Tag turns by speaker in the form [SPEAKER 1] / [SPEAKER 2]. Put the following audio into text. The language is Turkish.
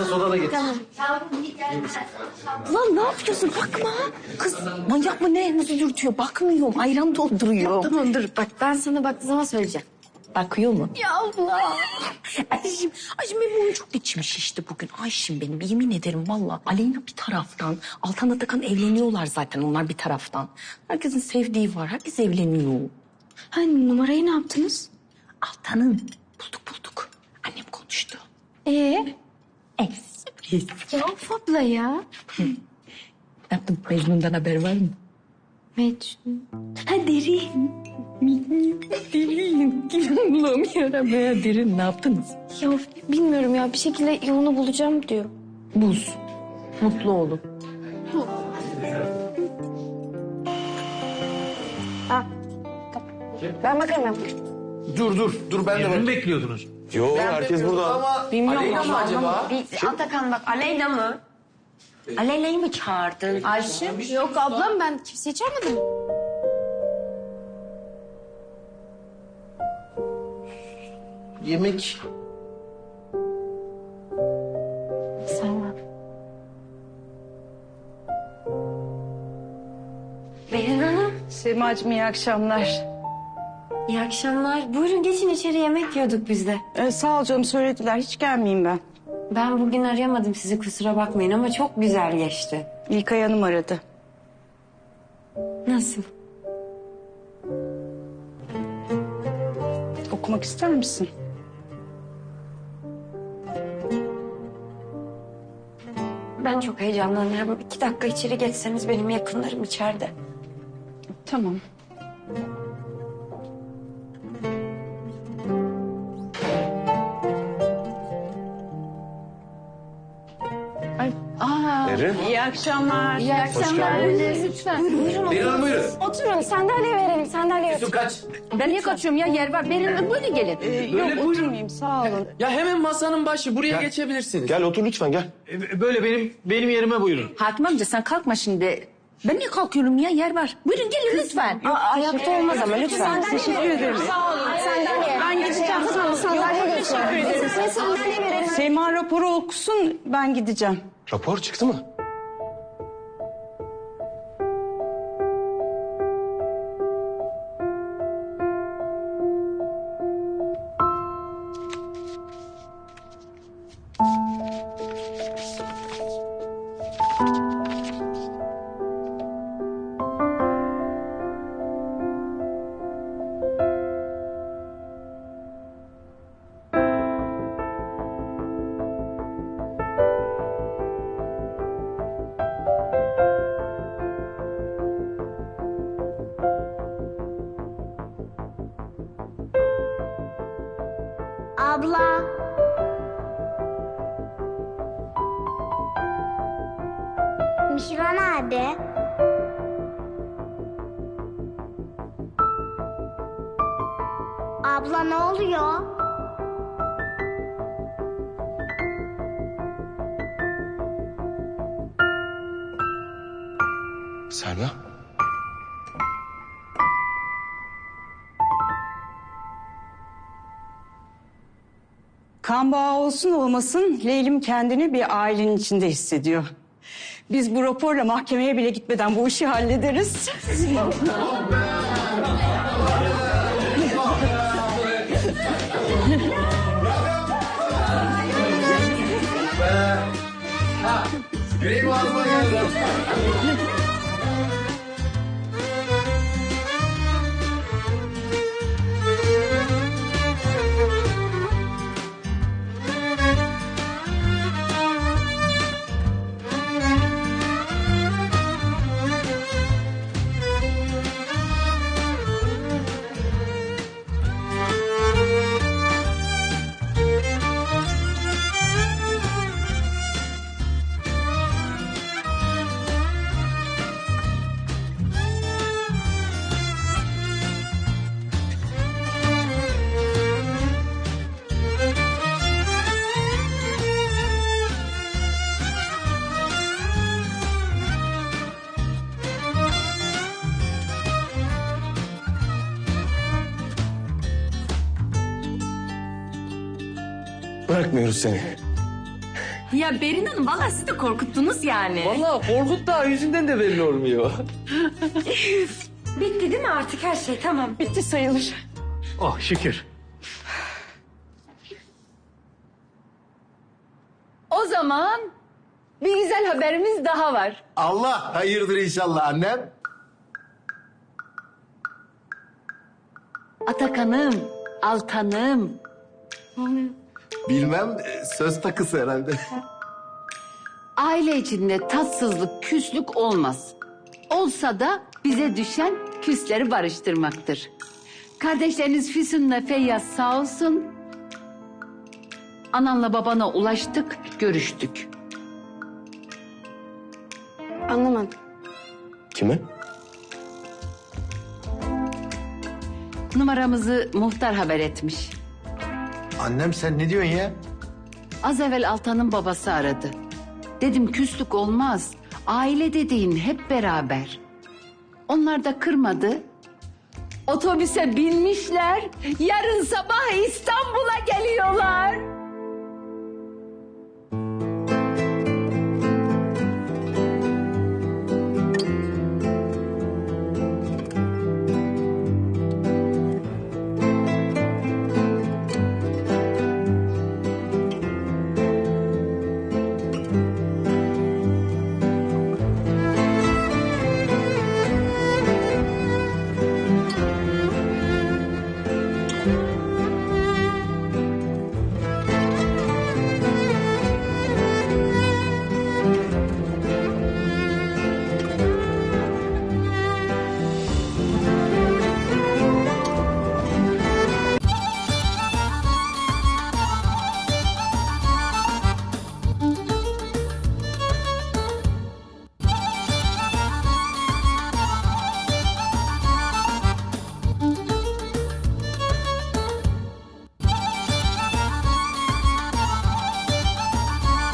[SPEAKER 1] soda da getir.
[SPEAKER 2] Tamam. Lan ne yapıyorsun? Bakma. Kız manyak mı ne? Nasıl dürtüyor? Bakmıyorum. Ayran dolduruyor.
[SPEAKER 3] Tamam dur bak ben sana baktığı zaman söyleyeceğim.
[SPEAKER 2] Bakıyor mu? Ya Allah. Ayşim benim çok içmiş işte bugün. Ayşim benim yemin ederim valla. Aleyna bir taraftan. Altan Atakan evleniyorlar zaten onlar bir taraftan. Herkesin sevdiği var. Herkes evleniyor.
[SPEAKER 3] Ha numarayı ne yaptınız?
[SPEAKER 2] Altan'ın bulduk. Annem konuştu. Sürpriz.
[SPEAKER 3] Ya of abla ya.
[SPEAKER 2] Ne yaptın? Mecnun'dan haber var mı?
[SPEAKER 3] Mecnun.
[SPEAKER 2] Ha derin. Derin. Allah'ım yaramaya derin. Ne yaptınız?
[SPEAKER 3] Ya bilmiyorum ya bir şekilde yolunu bulacağım diyor.
[SPEAKER 2] Buz. Mutlu olun.
[SPEAKER 3] Ben bakarım.
[SPEAKER 1] Dur ben de
[SPEAKER 4] Birini mi bekliyordunuz?
[SPEAKER 1] Yo, herkes burada. Ama
[SPEAKER 2] Bilmiyorum
[SPEAKER 1] Aleyna mı acaba?
[SPEAKER 2] Atakan bak Aleyna mı? Aleyna'yı mı çağırdın? Ayşe?
[SPEAKER 3] Yok ablam ben kimseyi çağırmadım.
[SPEAKER 1] Yemek.
[SPEAKER 3] Selma.
[SPEAKER 2] Berin Hanım.
[SPEAKER 5] Semacığım iyi akşamlar.
[SPEAKER 3] İyi akşamlar. Buyurun geçin içeri yemek yiyorduk biz de.
[SPEAKER 5] Sağ ol canım söylediler hiç gelmeyeyim ben.
[SPEAKER 3] Ben bugün arayamadım sizi kusura bakmayın ama çok güzel geçti.
[SPEAKER 5] İlkay Hanım aradı.
[SPEAKER 3] Nasıl?
[SPEAKER 5] Okumak ister misin?
[SPEAKER 3] Ben çok heyecanlanıyorum. 2 dakika içeri geçseniz benim yakınlarım içeride.
[SPEAKER 5] Tamam.
[SPEAKER 1] Derin.
[SPEAKER 5] İyi akşamlar.
[SPEAKER 3] İyi akşamlar. Lütfen. Buyurun.
[SPEAKER 1] Derin Hanım buyurun.
[SPEAKER 3] Oturun sandalye verelim sandalye.
[SPEAKER 1] Yusuf kaç.
[SPEAKER 2] Ben niye kaçıyorum ya? Yer var. Berin böyle gelin.
[SPEAKER 5] Yok oturmayayım sağ olun.
[SPEAKER 6] Ya hemen masanın başı. Buraya geçebilirsiniz.
[SPEAKER 1] Gel otur lütfen gel.
[SPEAKER 4] Böyle benim yerime buyurun.
[SPEAKER 2] Hakim amca sen kalkma şimdi. Ben niye kalkıyorum ya? Yer var. Buyurun gelin lütfen.
[SPEAKER 3] Ayakta olmaz ama lütfen.
[SPEAKER 5] Teşekkür ederim.
[SPEAKER 3] Sandalye.
[SPEAKER 5] Ben gideceğim.
[SPEAKER 3] Tamam sandalye geçiyor. Size sandalye verelim.
[SPEAKER 5] Seyma raporu okusun ben gideceğim.
[SPEAKER 1] Rapor çıktı mı?
[SPEAKER 7] Abla. Mişra nerede? Abla ne oluyor?
[SPEAKER 1] Selma.
[SPEAKER 5] Kan bağı olsun olmasın Leylim kendini bir ailenin içinde hissediyor. Biz bu raporla mahkemeye bile gitmeden bu işi hallederiz.
[SPEAKER 1] Yüreğim ağzıma geldi. Bırakmıyoruz seni.
[SPEAKER 2] Ya Berin Hanım vallahi siz de korkuttunuz yani.
[SPEAKER 6] Vallahi Korkut da yüzünden de belli olmuyor.
[SPEAKER 3] Bitti değil mi artık her şey? Tamam.
[SPEAKER 5] Bitti sayılır.
[SPEAKER 4] Oh şükür.
[SPEAKER 8] O zaman bir güzel haberimiz daha var.
[SPEAKER 9] Allah hayırdır inşallah annem.
[SPEAKER 8] Atakan'ım, Altan'ım.
[SPEAKER 9] Bilmem söz takısı herhalde.
[SPEAKER 8] Aile içinde tatsızlık, küslük olmaz. Olsa da bize düşen küsleri barıştırmaktır. Kardeşleriniz Füsun'la Feyyaz sağ olsun. Ananla babana ulaştık, görüştük.
[SPEAKER 3] Anlamadım.
[SPEAKER 1] Kime?
[SPEAKER 8] Numaramızı muhtar haber etmiş.
[SPEAKER 9] Annem sen ne diyorsun ya?
[SPEAKER 8] Az evvel Altan'ın babası aradı. Dedim küslük olmaz. Aile dediğin hep beraber. Onlar da kırmadı. Otobüse binmişler. Yarın sabah İstanbul'a geliyorlar.